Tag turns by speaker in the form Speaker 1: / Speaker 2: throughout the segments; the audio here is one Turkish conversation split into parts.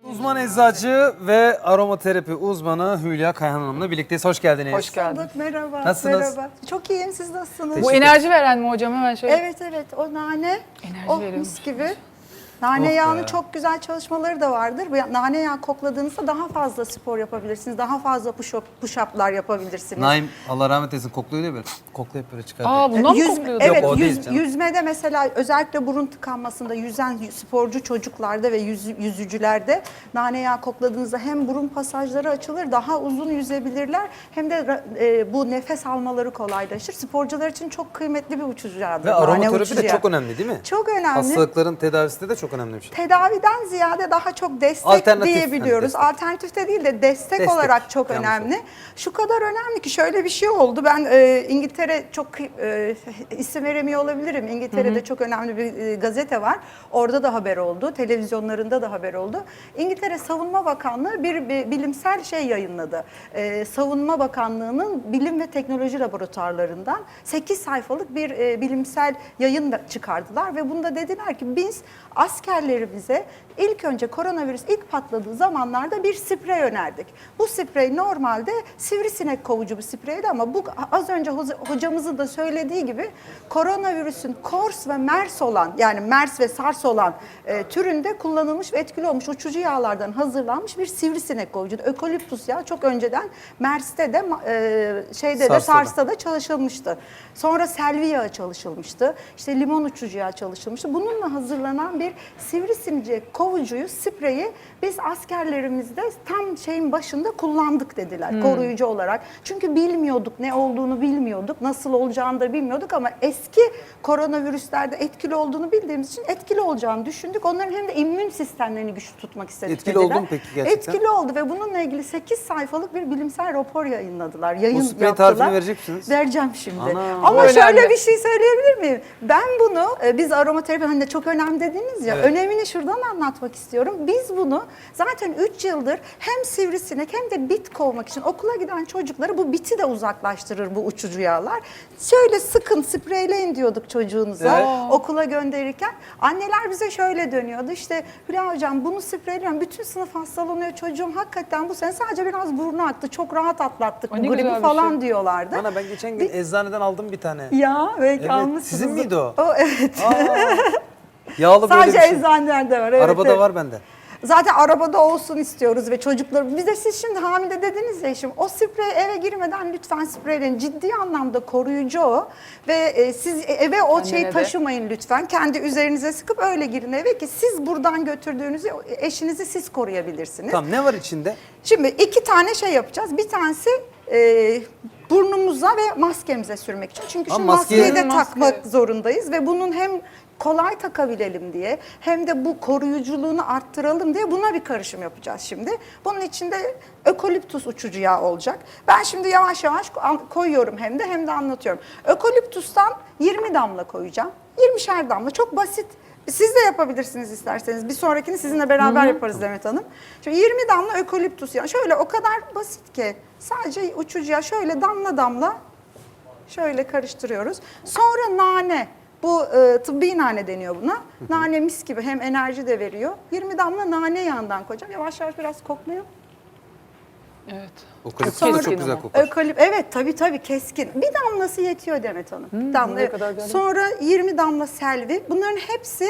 Speaker 1: Uzman eczacı ve aromaterapi uzmanı Hülya Kayhan Hanım'la birlikteyiz. Hoş geldiniz.
Speaker 2: Hoş geldin.
Speaker 3: Merhaba.
Speaker 1: Nasılsınız?
Speaker 3: Merhaba. Çok iyiyim. Siz nasılsınız?
Speaker 2: Bu enerji veren mi hocam? Hemen şöyle.
Speaker 3: Evet. O nane.
Speaker 2: Enerji
Speaker 3: Oh
Speaker 2: veriyormuş.
Speaker 3: mis gibi. Nane
Speaker 1: Oh be.
Speaker 3: yağının çok güzel çalışmaları da vardır. Bu nane yağı kokladığınızda daha fazla spor yapabilirsiniz. Daha fazla push-up'lar yapabilirsiniz.
Speaker 1: Naim Allah rahmet eylesin kokluyor ya böyle. Koklayıp böyle çıkardı.
Speaker 2: Aa bundan mı kokluyordu?
Speaker 3: Evet,
Speaker 1: Yok, o değil canım.
Speaker 3: yüzmede mesela özellikle burun tıkanmasında yüzen sporcu çocuklarda ve yüzücülerde nane yağı kokladığınızda hem burun pasajları açılır, daha uzun yüzebilirler hem de bu nefes almaları kolaylaşır. Sporcular için çok kıymetli bir uçucu yağdır.
Speaker 1: Ve
Speaker 3: nane
Speaker 1: aromaterapi
Speaker 3: uçucu
Speaker 1: de
Speaker 3: yağı.
Speaker 1: çok önemli değil mi?
Speaker 3: Çok önemli.
Speaker 1: Hastalıkların tedavisinde de çok önemli bir şey.
Speaker 3: Tedaviden ziyade daha çok destek
Speaker 1: Alternatif,
Speaker 3: diyebiliyoruz.
Speaker 1: hani destek.
Speaker 3: Alternatif de değil de destek olarak çok
Speaker 1: Yanlış
Speaker 3: önemli.
Speaker 1: oldu.
Speaker 3: Şu kadar önemli ki şöyle bir şey oldu. Ben İngiltere çok isim veremiyor olabilirim. İngiltere'de çok önemli bir gazete var. Orada da haber oldu. Televizyonlarında da haber oldu. İngiltere Savunma Bakanlığı bir bilimsel şey yayınladı. Savunma Bakanlığı'nın bilim ve teknoloji laboratuvarlarından 8 sayfalık bir bilimsel yayın çıkardılar ve bunda dediler ki biz askerlerimize ilk önce koronavirüs ilk patladığı zamanlarda bir sprey önerdik. Bu sprey normalde sivrisinek kovucu bir spreydi ama bu az önce hocamızın da söylediği gibi koronavirüsün KORS ve MERS olan yani MERS ve SARS olan türünde kullanılmış ve etkili olmuş uçucu yağlardan hazırlanmış bir sivrisinek kovucu. Ökoliptus yağı çok önceden MERS'te de SARS'ta da çalışılmıştı. Sonra selvi yağı çalışılmıştı. İşte limon uçucu yağı çalışılmıştı. Bununla hazırlanan bir sivrisinek kovucuyu, spreyi biz askerlerimizde tam şeyin başında kullandık dediler koruyucu olarak. Çünkü bilmiyorduk, ne olduğunu bilmiyorduk, nasıl olacağını da bilmiyorduk ama eski koronavirüslerde etkili olduğunu bildiğimiz için etkili olacağını düşündük. Onların hem de immün sistemlerini güçlü tutmak istedik
Speaker 1: Etkili
Speaker 3: dediler.
Speaker 1: oldu mu peki gerçekten?
Speaker 3: Etkili oldu ve bununla ilgili 8 sayfalık bir bilimsel rapor yayınladılar.
Speaker 1: Bu sprey tarifini verecek misiniz?
Speaker 3: Vereceğim şimdi.
Speaker 1: Ana.
Speaker 3: Ama
Speaker 2: Bu
Speaker 3: şöyle
Speaker 2: önemli.
Speaker 3: bir şey söyleyebilir miyim? Ben bunu, biz aromaterapi hani de çok önemli dediniz ya,
Speaker 1: Evet.
Speaker 3: önemini şuradan anlatmak istiyorum. Biz bunu zaten 3 yıldır hem sivrisinek hem de bit kovmak için okula giden çocukları bu biti de uzaklaştırır bu uçucu yağlar. Şöyle sıkın, spreyleyin diyorduk çocuğunuza
Speaker 1: Evet.
Speaker 3: okula gönderirken. Anneler bize şöyle dönüyordu işte Hülya hocam bunu spreyliyorum, bütün sınıf hastalanıyor çocuğum hakikaten bu sene sadece biraz burnu aktı, çok rahat atlattık
Speaker 2: Ay,
Speaker 3: bu
Speaker 2: ne güzel
Speaker 3: gribi
Speaker 2: bir
Speaker 3: falan
Speaker 2: şey.
Speaker 3: diyorlardı.
Speaker 1: Bana ben geçen gün eczaneden aldım bir tane.
Speaker 3: Ya belki
Speaker 1: Evet,
Speaker 3: almışsınız.
Speaker 1: sizin miydi o?
Speaker 3: Evet.
Speaker 1: Yağlı böyle
Speaker 3: Sadece
Speaker 1: bir şey.
Speaker 3: eczanelerde var. Evet,
Speaker 1: Arabada
Speaker 3: evet.
Speaker 1: var bende.
Speaker 3: Zaten arabada olsun istiyoruz ve çocuklar. Bir de siz şimdi hamile dediniz ya şimdi o sprey eve girmeden lütfen spreyleyin. Ciddi anlamda koruyucu o. Ve siz eve o şeyi
Speaker 2: de.
Speaker 3: taşımayın lütfen. Kendi üzerinize sıkıp öyle girin eve ki siz buradan götürdüğünüzü eşinizi siz koruyabilirsiniz.
Speaker 1: Tamam ne var içinde?
Speaker 3: Şimdi 2 tane şey yapacağız. Bir tanesi burnumuza ve maskemize sürmek için. Çünkü şu
Speaker 1: Ama maskeyi-
Speaker 3: maskeyi de
Speaker 2: Maske.
Speaker 3: takmak zorundayız ve bunun hem kolay takabilelim diye hem de bu koruyuculuğunu arttıralım diye buna bir karışım yapacağız şimdi. Bunun içinde ökoliptus uçucu yağı olacak. Ben şimdi yavaş yavaş koyuyorum hem de anlatıyorum. Ökoliptustan 20 damla koyacağım. 20'şer damla çok basit. Siz de yapabilirsiniz isterseniz. Bir sonrakini sizinle beraber yaparız Demet Hanım. Şimdi 20 damla ökoliptus yağı. Şöyle o kadar basit ki sadece uçucu yağı şöyle damla damla şöyle karıştırıyoruz. Sonra nane. Bu tıbbi nane deniyor buna. Nane mis gibi hem enerji de veriyor. 20 damla nane yağından koyacağım. Yavaş yavaş biraz koklayayım.
Speaker 2: Evet.
Speaker 1: O klip
Speaker 3: Sonra-
Speaker 1: çok güzel kokar.
Speaker 3: Evet tabii keskin. Bir damlası yetiyor Demet Hanım. Bir damla.
Speaker 2: ne kadar böyle?
Speaker 3: Sonra 20 damla selvi. Bunların hepsi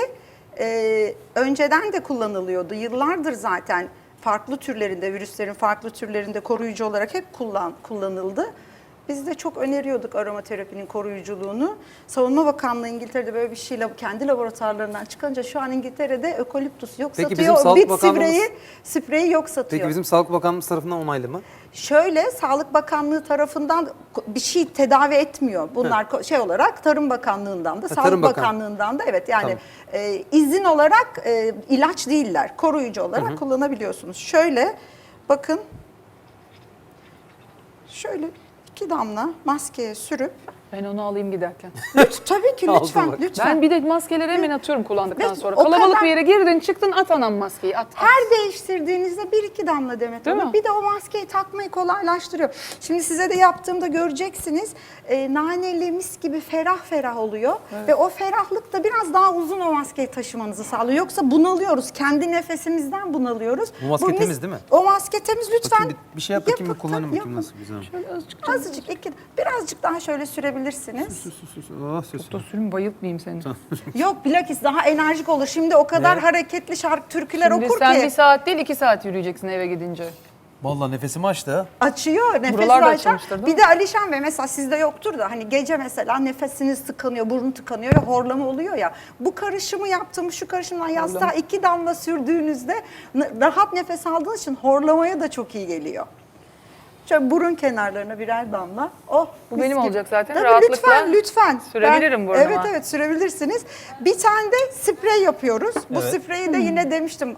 Speaker 3: önceden de kullanılıyordu. Yıllardır zaten farklı türlerinde, virüslerin farklı türlerinde koruyucu olarak hep kullanıldı. Biz de çok öneriyorduk aromaterapinin koruyuculuğunu. Savunma Bakanlığı İngiltere'de böyle bir şeyle kendi laboratuvarlarından çıkınca şu an İngiltere'de ökoliptus yok
Speaker 1: Peki
Speaker 3: satıyor.
Speaker 1: bizim Sağlık
Speaker 3: Bit
Speaker 1: Bakanlığımız-
Speaker 3: spreyi yok satıyor.
Speaker 1: Peki bizim Sağlık Bakanlığımız tarafından onaylı mı?
Speaker 3: Şöyle Sağlık Bakanlığı tarafından bir şey tedavi etmiyor. Bunlar şey olarak Tarım Bakanlığı'ndan da Sağlık
Speaker 1: Tarım Bakan-
Speaker 3: Bakanlığı'ndan da evet yani
Speaker 1: Tamam.
Speaker 3: izin olarak ilaç değiller. Koruyucu olarak kullanabiliyorsunuz. Şöyle bakın şöyle 2 damla maskeye sürüp
Speaker 2: Ben onu alayım giderken.
Speaker 3: Tabii ki
Speaker 1: Aldı
Speaker 3: lütfen,
Speaker 1: bak.
Speaker 3: lütfen.
Speaker 2: Ben bir de maskeleri hemen atıyorum kullandıktan
Speaker 3: Ve
Speaker 2: sonra.
Speaker 3: o
Speaker 2: Kalabalık
Speaker 3: kadar-
Speaker 2: bir yere girdin çıktın at anam maskeyi at.
Speaker 3: Her değiştirdiğinizde bir iki damla Demet
Speaker 2: Değil
Speaker 3: Hanım.
Speaker 2: mi?
Speaker 3: Bir de o maskeyi takmayı kolaylaştırıyor. Şimdi size de yaptığımda göreceksiniz. Naneli mis gibi ferah ferah oluyor. Ve o ferahlık da biraz daha uzun o maskeyi taşımanızı sağlıyor. Yoksa bunalıyoruz. Kendi nefesimizden bunalıyoruz.
Speaker 1: Bu maske temiz değil mi?
Speaker 3: O maske temiz lütfen.
Speaker 1: Bakayım bir şey yap bakayım bir
Speaker 3: yapın,
Speaker 1: kullanayım bakayım
Speaker 3: yapın.
Speaker 1: nasıl güzel.
Speaker 2: Şöyle azıcık canım.
Speaker 3: Azıcık birazcık daha şöyle sürebilirsiniz.
Speaker 1: Oh, ses.
Speaker 2: Dostum bayıltmayayım seni.
Speaker 3: Yok bilakis daha enerjik olur. Şimdi o kadar
Speaker 1: Ne?
Speaker 3: hareketli şarkı türküler
Speaker 2: Şimdi
Speaker 3: okur
Speaker 2: sen
Speaker 3: ki.
Speaker 2: bir saat değil 2 saat yürüyeceksin eve gidince.
Speaker 1: Vallahi nefesimi açtı ha.
Speaker 3: Açıyor, nefes
Speaker 2: Buralar da
Speaker 3: açar.
Speaker 2: açılmıştır, değil
Speaker 3: Bir
Speaker 2: mi?
Speaker 3: de Alişan Bey mesela sizde yoktur da hani gece mesela nefesiniz tıkanıyor, burun tıkanıyor ve horlama oluyor ya. Bu karışımı yaptığımız şu karışımdan yastığa 2 damla sürdüğünüzde rahat nefes aldığınız için horlamaya da çok iyi geliyor. Şöyle burun kenarlarına birer damla. Oh,
Speaker 2: Bu
Speaker 3: mis
Speaker 2: benim
Speaker 3: gibi.
Speaker 2: olacak zaten.
Speaker 3: Tabii
Speaker 2: Rahatlıkla
Speaker 3: lütfen.
Speaker 2: sürebilirim burnuma.
Speaker 3: Evet evet sürebilirsiniz. Bir tane de sprey yapıyoruz. Bu spreyi de yine demiştim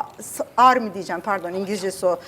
Speaker 3: Army diyeceğim pardon İngilizcesi o.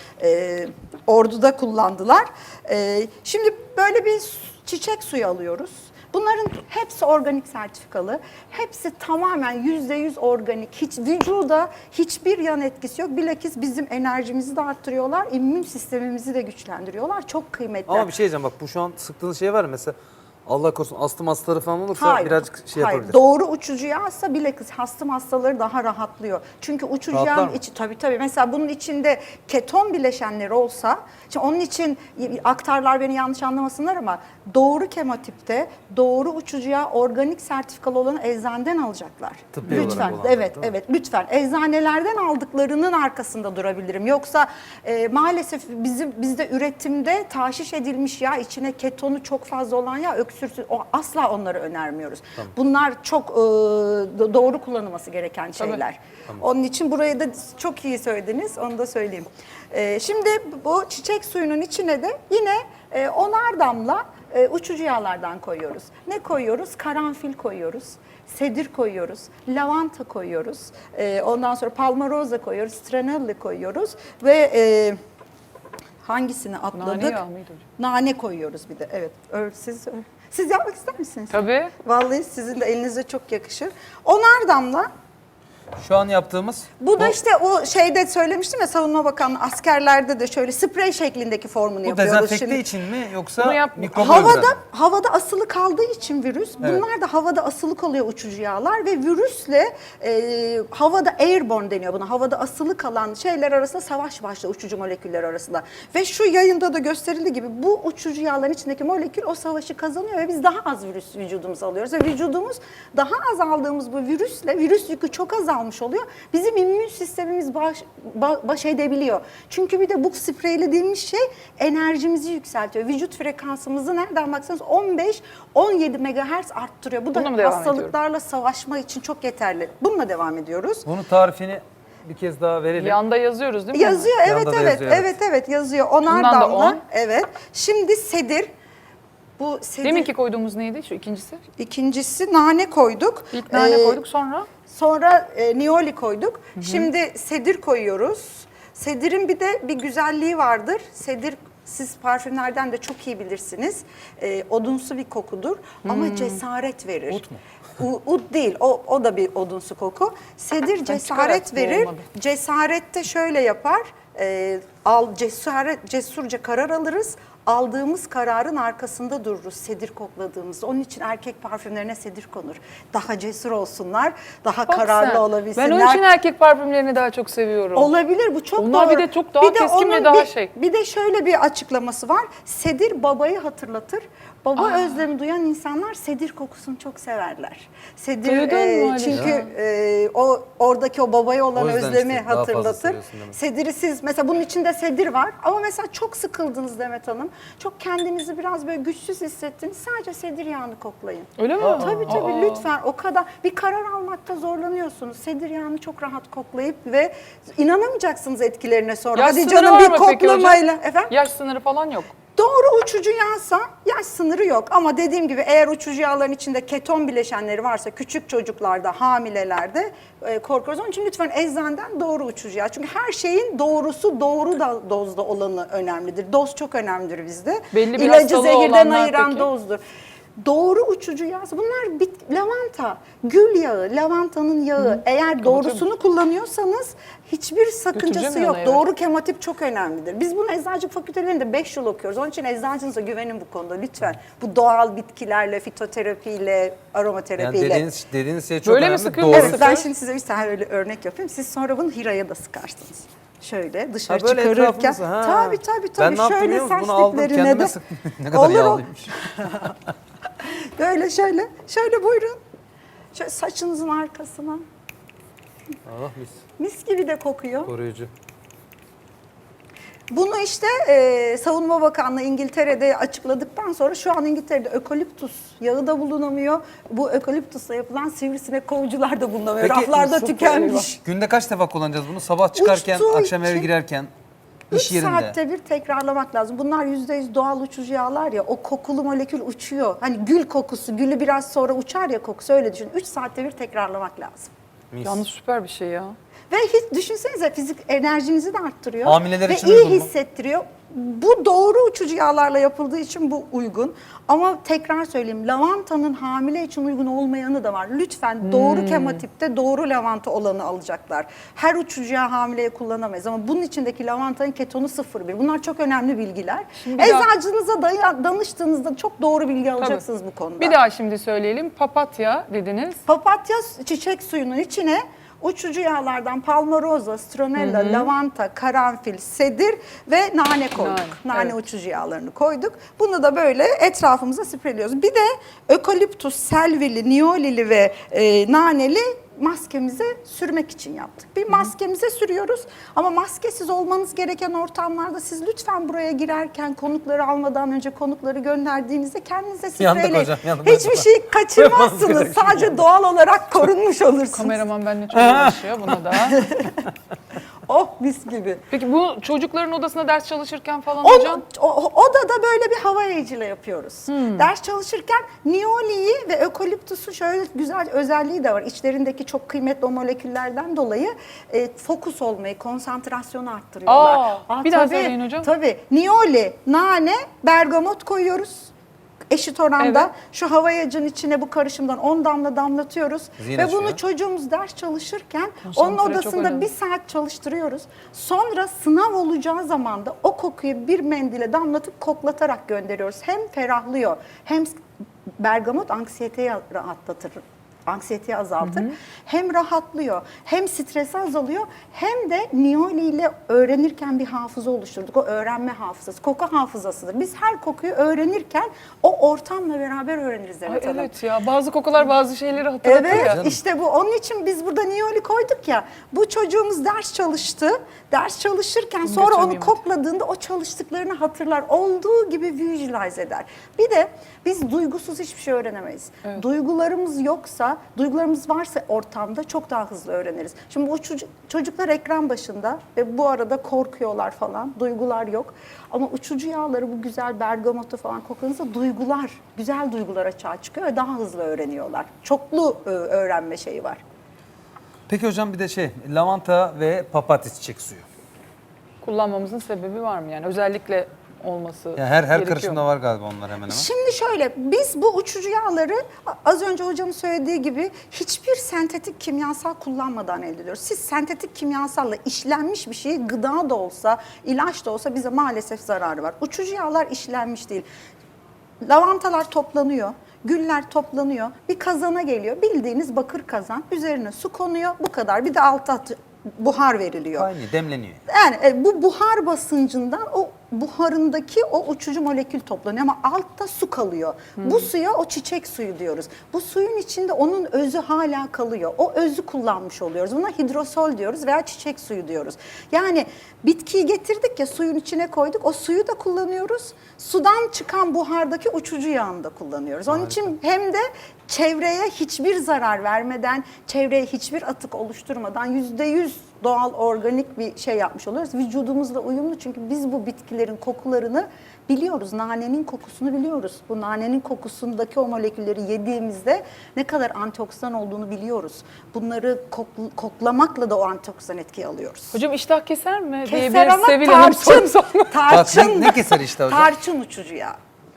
Speaker 3: Orduda kullandılar. Şimdi böyle bir çiçek suyu alıyoruz. Bunların hepsi organik sertifikalı. Hepsi tamamen %100 organik. Hiç vücuda hiçbir yan etkisi yok. Bilakis bizim enerjimizi de arttırıyorlar. İmmün sistemimizi de güçlendiriyorlar. Çok kıymetli.
Speaker 1: Ama bir şey diyeceğim bak bu şu an sıktığınız şey var ya mesela Allah korusun astım hastaları falan olursa birazcık şey
Speaker 3: hayır.
Speaker 1: yapabilir.
Speaker 3: Doğru uçucu yağsa bilakis astım hastaları daha rahatlıyor. Çünkü uçucu
Speaker 1: Rahatlar
Speaker 3: yağın
Speaker 1: mı?
Speaker 3: içi tabii mesela bunun içinde keton bileşenleri olsa şimdi onun için aktarlar beni yanlış anlamasınlar ama doğru kemotipte doğru uçucu yağ organik sertifikalı olanı eczaneden alacaklar.
Speaker 1: Tıbbi olarak
Speaker 3: Lütfen
Speaker 1: olanlar,
Speaker 3: evet
Speaker 1: değil mi?
Speaker 3: evet lütfen eczanelerden aldıklarının arkasında durabilirim. Yoksa maalesef bizde üretimde taşiş edilmiş yağ içine ketonu çok fazla olan yağ öksürsüz asla onları önermiyoruz. Bunlar çok doğru kullanılması gereken şeyler. Onun için burayı da çok iyi söylediniz. Onu da söyleyeyim. Şimdi bu çiçek suyunun içine de yine 10'ar damla uçucu yağlardan koyuyoruz. Ne koyuyoruz? Karanfil koyuyoruz. Sedir koyuyoruz, lavanta koyuyoruz, ondan sonra palmaroza koyuyoruz, stranelli koyuyoruz ve hangisini atladık?
Speaker 2: Nane yağı mıydı hocam?
Speaker 3: Nane koyuyoruz bir de. Evet. Siz yapmak ister misiniz?
Speaker 2: Tabii.
Speaker 3: Vallahi sizin de elinize çok yakışır. 10'ar damla.
Speaker 1: Şu an yaptığımız
Speaker 3: Bu da işte o şeyde söylemiştim ya Savunma Bakanlığı askerlerde de şöyle sprey şeklindeki formunu
Speaker 1: bu
Speaker 3: yapıyoruz
Speaker 1: dezenfekte
Speaker 3: şimdi.
Speaker 1: için mi yoksa
Speaker 2: Bunu yap-
Speaker 1: mikrobu öldüren?
Speaker 3: Havada asılı kaldığı için virüs, bunlar da havada asılı kalıyor uçucu yağlar ve virüsle havada airborne deniyor buna. Havada asılı kalan şeyler arasında savaş başlıyor uçucu moleküller arasında. Ve şu yayında da gösterildiği gibi bu uçucu yağların içindeki molekül o savaşı kazanıyor ve biz daha az virüs vücudumuza alıyoruz. Ve vücudumuz daha az aldığımız bu virüsle virüs yükü çok azalmış oluyor. Bizim immün sistemimiz baş edebiliyor. Çünkü bir de bu spreylediğimiz şey enerjimizi yükseltiyor. Vücut frekansımızı nereden baksanız 15-17 MHz arttırıyor. Bu
Speaker 2: Bununla
Speaker 3: da
Speaker 2: mı devam
Speaker 3: hastalıklarla savaşma için çok yeterli. Bununla devam ediyoruz.
Speaker 1: Bunun tarifini bir kez daha verelim.
Speaker 2: Yanda yazıyoruz değil mi?
Speaker 3: Yazıyor evet
Speaker 1: Yanda da
Speaker 3: evet
Speaker 1: yazıyor,
Speaker 3: evet yazıyor. Onar
Speaker 2: Bundan da
Speaker 3: damla.
Speaker 2: 10.
Speaker 3: Evet. Şimdi sedir. Bu sedir.
Speaker 2: Deminki koyduğumuz neydi şu ikincisi?
Speaker 3: İkincisi nane koyduk.
Speaker 2: İlk nane
Speaker 3: Ee,
Speaker 2: koyduk sonra
Speaker 3: Sonra nioli koyduk. Şimdi sedir koyuyoruz. Sedirin bir de bir güzelliği vardır. Sedir siz parfümlerden de çok iyi bilirsiniz. Odunsu bir kokudur ama cesaret verir.
Speaker 1: Ut mu?
Speaker 3: Ut değil, o da bir odunsu koku. Sedir cesaret
Speaker 2: çıkararak
Speaker 3: verir.
Speaker 2: olmadı.
Speaker 3: Cesaret de şöyle yapar. Cesurca karar alırız. Aldığımız kararın arkasında dururuz sedir kokladığımızda. Onun için erkek parfümlerine sedir konur. Daha cesur olsunlar, daha
Speaker 2: Bak
Speaker 3: kararlı
Speaker 2: sen.
Speaker 3: olabilsinler.
Speaker 2: Ben onun için erkek parfümlerini daha çok seviyorum.
Speaker 3: Olabilir bu çok
Speaker 2: Onlar
Speaker 3: doğru.
Speaker 2: bir de çok daha keskin ve daha şey.
Speaker 3: Bir de şöyle bir açıklaması var. Sedir babayı hatırlatır. Baba özlemi duyan insanlar sedir kokusunu çok severler. Sedir
Speaker 2: Duydun mu
Speaker 3: çünkü oradaki o babaya olan
Speaker 1: O yüzden
Speaker 3: özlemi
Speaker 1: işte daha fazla
Speaker 3: hatırlatır.
Speaker 1: seviyorsun demek.
Speaker 3: Sediri siz mesela bunun içinde sedir var ama mesela çok sıkıldınız Demet Hanım. Çok kendinizi biraz böyle güçsüz hissettiniz. Sadece sedir yağını koklayın.
Speaker 2: Öyle mi?
Speaker 3: Tabii lütfen o kadar bir karar almakta zorlanıyorsunuz. Sedir yağını çok rahat koklayıp ve inanamayacaksınız etkilerine sonra.
Speaker 2: Yaş
Speaker 3: Hadi
Speaker 2: sınırı
Speaker 3: canım
Speaker 2: var
Speaker 3: bir
Speaker 2: mı peki
Speaker 3: koklamayla.
Speaker 2: hocam?
Speaker 3: Efendim?
Speaker 2: Yaş sınırı falan yok.
Speaker 3: Doğru uçucu yağsa yaş sınırı yok ama dediğim gibi eğer uçucu yağların içinde keton bileşenleri varsa küçük çocuklarda, hamilelerde korkuyoruz. Onun için lütfen eczaneden doğru uçucu yağ. Çünkü her şeyin doğrusu doğru da dozda olanı önemlidir. Doz çok önemlidir bizde.
Speaker 2: Belli bir
Speaker 3: İlacı
Speaker 2: hastalığı
Speaker 3: zehirden
Speaker 2: olanlar
Speaker 3: ayıran
Speaker 2: peki?
Speaker 3: dozdur. Doğru uçucu yağ. Bunlar lavanta, gül yağı, lavantanın yağı. Eğer doğrusunu kullanıyorsanız hiçbir sakıncası
Speaker 2: Götüreceğim
Speaker 3: yok.
Speaker 2: yana, evet.
Speaker 3: Doğru kematip çok önemlidir. Biz bunu eczacılık fakültelerinde 5 yıl okuyoruz. Onun için eczacınıza güvenin bu konuda lütfen. Bu doğal bitkilerle, fitoterapiyle, aromaterapiyle.
Speaker 1: Yani dediğiniz şey çok
Speaker 2: Böyle mi
Speaker 1: önemli.
Speaker 2: sıkıyor
Speaker 1: Doğru.
Speaker 2: musun?
Speaker 3: Evet, ben şimdi size bir tane öyle örnek yapayım. Siz sonra bunu Hira'ya da sıkarsınız. Şöyle dışarı
Speaker 1: Ha, böyle
Speaker 3: çıkarırken.
Speaker 1: etrafımıza, ha.
Speaker 3: Tabii.
Speaker 1: Ben ne yaptım
Speaker 3: Şöyle
Speaker 1: biliyor musun?
Speaker 3: saç
Speaker 1: Bunu aldım
Speaker 3: diplerine
Speaker 1: kendime
Speaker 3: de.
Speaker 1: sıktım. Ne kadar yağlıymış.
Speaker 3: Böyle şöyle buyurun. Şöyle saçınızın arkasına.
Speaker 1: Allah mis.
Speaker 3: Mis gibi de kokuyor.
Speaker 1: Koruyucu.
Speaker 3: Bunu işte Savunma Bakanlığı İngiltere'de açıkladıktan sonra şu an İngiltere'de ökoliptus yağı da bulunamıyor. Bu ökoliptusla yapılan sivrisinek kovucular da bulunamıyor.
Speaker 1: Peki,
Speaker 3: Raflarda
Speaker 2: süper,
Speaker 3: tükenmiş.
Speaker 1: Günde kaç defa kullanacağız bunu? Sabah çıkarken,
Speaker 3: Uçtuğu
Speaker 1: akşam eve
Speaker 3: için
Speaker 1: girerken,
Speaker 3: 3
Speaker 1: iş yerinde.
Speaker 3: saatte bir tekrarlamak lazım. Bunlar %100 doğal uçucu yağlar ya, o kokulu molekül uçuyor. Hani gül kokusu, gülü biraz sonra uçar ya kokusu, öyle düşün. 3 saatte bir tekrarlamak lazım.
Speaker 1: Mis.
Speaker 2: Yalnız süper bir şey ya.
Speaker 3: Ve hiç düşünsenize fizik enerjinizi de arttırıyor.
Speaker 1: Hamileler
Speaker 3: ve
Speaker 1: için
Speaker 3: iyi
Speaker 1: uygun mu?
Speaker 3: hissettiriyor. Bu doğru uçucu yağlarla yapıldığı için bu uygun. Ama tekrar söyleyeyim, lavantanın hamile için uygun olmayanı da var. Lütfen doğru kematipte doğru lavanta olanı alacaklar. Her uçucu yağ hamileye kullanamayız ama bunun içindeki lavantanın ketonu 0,1. Bunlar çok önemli bilgiler.
Speaker 2: Şimdi bir daha-
Speaker 3: Eczacınıza danıştığınızda çok doğru bilgi alacaksınız bu konuda.
Speaker 2: Bir daha şimdi söyleyelim. Papatya dediniz.
Speaker 3: Papatya çiçek suyunun içine uçucu yağlardan palmaroza, stronella, lavanta, karanfil, sedir ve nane koyduk. Nane
Speaker 2: evet.
Speaker 3: uçucu yağlarını koyduk. Bunu da böyle etrafımıza spreyliyoruz. Bir de ökoliptus, selvili, niyolili ve naneli maskemize sürmek için yaptık. Bir maskemize sürüyoruz ama maskesiz olmanız gereken ortamlarda siz lütfen buraya girerken konukları almadan önce konukları gönderdiğinizde kendinize
Speaker 1: Yandık
Speaker 3: spreyleyin.
Speaker 1: hocam, yandık.
Speaker 3: Hiçbir şey kaçırmazsınız. Sadece doğal olarak korunmuş olursunuz.
Speaker 2: Kameraman benimle çok uğraşıyor buna da.
Speaker 3: Oh mis gibi.
Speaker 2: Peki bu çocukların odasında ders çalışırken falan hocam?
Speaker 3: Odada böyle bir hava yayıcıyla yapıyoruz. Ders çalışırken niyoliyi ve ökoliptusu şöyle güzel özelliği de var. İçlerindeki çok kıymetli o moleküllerden dolayı fokus olmayı, konsantrasyonu arttırıyorlar.
Speaker 2: Bir daha söyleyin hocam.
Speaker 3: Tabii. Niyoli, nane, bergamot koyuyoruz. Eşit oranda
Speaker 2: Evet.
Speaker 3: şu hava yayıcının içine bu karışımdan 10 damla damlatıyoruz.
Speaker 1: Zihin
Speaker 3: ve
Speaker 1: açıyor.
Speaker 3: bunu çocuğumuz ders çalışırken onun
Speaker 2: Konsantre çok
Speaker 3: odasında
Speaker 2: önemli.
Speaker 3: bir saat çalıştırıyoruz. Sonra sınav olacağı zaman da o kokuyu bir mendile damlatıp koklatarak gönderiyoruz. Hem ferahlıyor hem bergamot anksiyeteyi rahatlatır. Anksiyeteyi azaltır. Hem rahatlıyor, hem stresi azalıyor, hem de niyoli ile öğrenirken bir hafıza oluşturduk. O öğrenme hafızası, koku hafızasıdır. Biz her kokuyu öğrenirken o ortamla beraber öğreniriz
Speaker 2: Ay,
Speaker 3: Demet Hanım.
Speaker 2: evet ya bazı kokular bazı şeyleri hatırlatır
Speaker 3: Evet
Speaker 2: ya.
Speaker 3: işte bu. Onun için biz burada niyoli koyduk ya. Bu çocuğumuz ders çalıştı. Ders çalışırken sonra onu
Speaker 2: götürmeyeyim hadi.
Speaker 3: kokladığında o çalıştıklarını hatırlar. Olduğu gibi visualize eder. Bir de biz duygusuz hiçbir şey öğrenemeyiz. Duygularımız yoksa, duygularımız varsa ortamda çok daha hızlı öğreniriz. Şimdi bu çocuklar ekran başında ve bu arada korkuyorlar falan. Duygular yok. Ama uçucu yağları bu güzel bergamotu falan kokladığınızda duygular, güzel duygular açığa çıkıyor ve daha hızlı öğreniyorlar. Çoklu öğrenme şeyi var.
Speaker 1: Peki hocam bir de lavanta ve papatya çiçek suyu.
Speaker 2: Kullanmamızın sebebi var mı yani? Özellikle olması
Speaker 1: Yani her
Speaker 2: gerekiyor
Speaker 1: karışımda
Speaker 2: mu?
Speaker 1: var galiba onlar hemen hemen.
Speaker 3: Şimdi şöyle, biz bu uçucu yağları az önce hocamın söylediği gibi hiçbir sentetik kimyasal kullanmadan elde ediyoruz. Siz sentetik kimyasalla işlenmiş bir şeyi gıda da olsa, ilaç da olsa bize maalesef zararı var. Uçucu yağlar işlenmiş değil. Lavantalar toplanıyor, güller toplanıyor, bir kazana geliyor. Bildiğiniz bakır kazan, üzerine su konuyor, bu kadar. Bir de alta buhar veriliyor.
Speaker 1: Kaynıyor, demleniyor.
Speaker 3: Yani bu buhar basıncından o buharındaki o uçucu molekül toplanıyor ama altta su kalıyor. Bu suya o çiçek suyu diyoruz. Bu suyun içinde onun özü hala kalıyor. O özü kullanmış oluyoruz. Buna hidrosol diyoruz veya çiçek suyu diyoruz. Yani bitkiyi getirdik ya suyun içine koyduk. O suyu da kullanıyoruz. Sudan çıkan buhardaki uçucu yağını da kullanıyoruz. Onun için hem de çevreye hiçbir zarar vermeden, çevreye hiçbir atık oluşturmadan %100 doğal, organik bir şey yapmış oluyoruz. Vücudumuzla uyumlu çünkü biz bu bitkilerin kokularını biliyoruz. Nanenin kokusunu biliyoruz. Bu nanenin kokusundaki o molekülleri yediğimizde ne kadar antioksidan olduğunu biliyoruz. Bunları koklamakla da o antioksidan etkiyi alıyoruz.
Speaker 2: Hocam iştah keser mi?
Speaker 3: Keser ama
Speaker 2: Sevil Hanım
Speaker 3: tarçın,
Speaker 2: sorsam mı?
Speaker 3: tarçın,
Speaker 1: Ne keser işte hocam?
Speaker 3: tarçın uçucu yağı.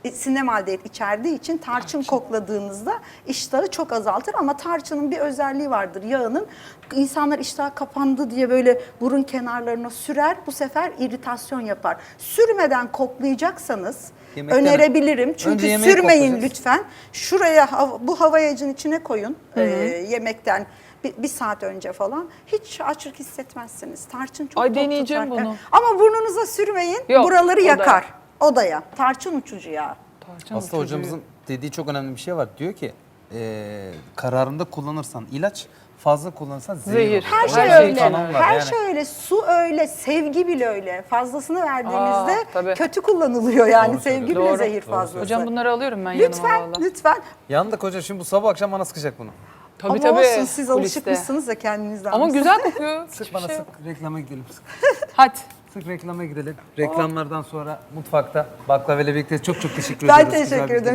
Speaker 3: sinemaldehit içerdiği için tarçın kokladığınızda iştahı çok azaltır ama tarçının bir özelliği vardır yağının. İnsanlar iştah kapandı diye böyle burun kenarlarına sürer. Bu sefer iritasyon yapar. Sürmeden koklayacaksanız
Speaker 1: Yemekten
Speaker 3: önerebilirim.
Speaker 1: önce
Speaker 3: Çünkü
Speaker 1: yemeği
Speaker 3: sürmeyin
Speaker 1: koklayacağız.
Speaker 3: lütfen. Şuraya bu havayacın içine koyun yemekten bir saat önce falan. Hiç açlık hissetmezsiniz. Tarçın çok
Speaker 2: Ay,
Speaker 3: tok
Speaker 2: deneyeceğim
Speaker 3: tutar.
Speaker 2: bunu.
Speaker 3: Evet. Ama burnunuza sürmeyin.
Speaker 2: Yok,
Speaker 3: Buraları
Speaker 2: odaya.
Speaker 3: yakar. Odaya. Tarçın uçucu ya.
Speaker 2: Tarçın
Speaker 1: Aslında
Speaker 2: uçucu.
Speaker 1: hocamızın dediği çok önemli bir şey var. Diyor ki kararında kullanırsan ilaç, fazla kullanırsan zehir.
Speaker 2: Zehir.
Speaker 1: olur.
Speaker 3: Her
Speaker 1: O
Speaker 3: şey
Speaker 1: yüzden
Speaker 3: öyle.
Speaker 1: kanun var
Speaker 3: Her
Speaker 1: yani.
Speaker 3: şey öyle. Su öyle. Sevgi bile öyle. Fazlasını verdiğinizde
Speaker 2: tabii.
Speaker 3: kötü kullanılıyor yani.
Speaker 1: Doğru
Speaker 3: Sevgi bile
Speaker 2: söylüyorsun.
Speaker 3: zehir
Speaker 1: Doğru
Speaker 3: fazlası.
Speaker 2: Hocam bunları alıyorum ben yanıma
Speaker 3: Lütfen,
Speaker 2: valla.
Speaker 3: lütfen.
Speaker 1: Yandık hoca, şimdi bu sabah akşam bana sıkacak bunu.
Speaker 2: Tabii
Speaker 3: Ama
Speaker 2: tabii.
Speaker 3: olsun siz
Speaker 2: kuliste.
Speaker 3: alışıkmışsınız da kendinizden.
Speaker 2: Ama güzel kokuyor.
Speaker 1: Sık
Speaker 2: Hiçbir
Speaker 1: bana
Speaker 2: şey
Speaker 1: sık.
Speaker 2: yok.
Speaker 1: Reklama gidelim. Sık.
Speaker 2: Hadi.
Speaker 1: Sık reklama gidelim. Reklamlardan sonra mutfakta baklavayla birlikte çok teşekkür
Speaker 3: Ben
Speaker 1: ediyoruz. Güzel
Speaker 3: teşekkür
Speaker 1: bir
Speaker 3: ederim.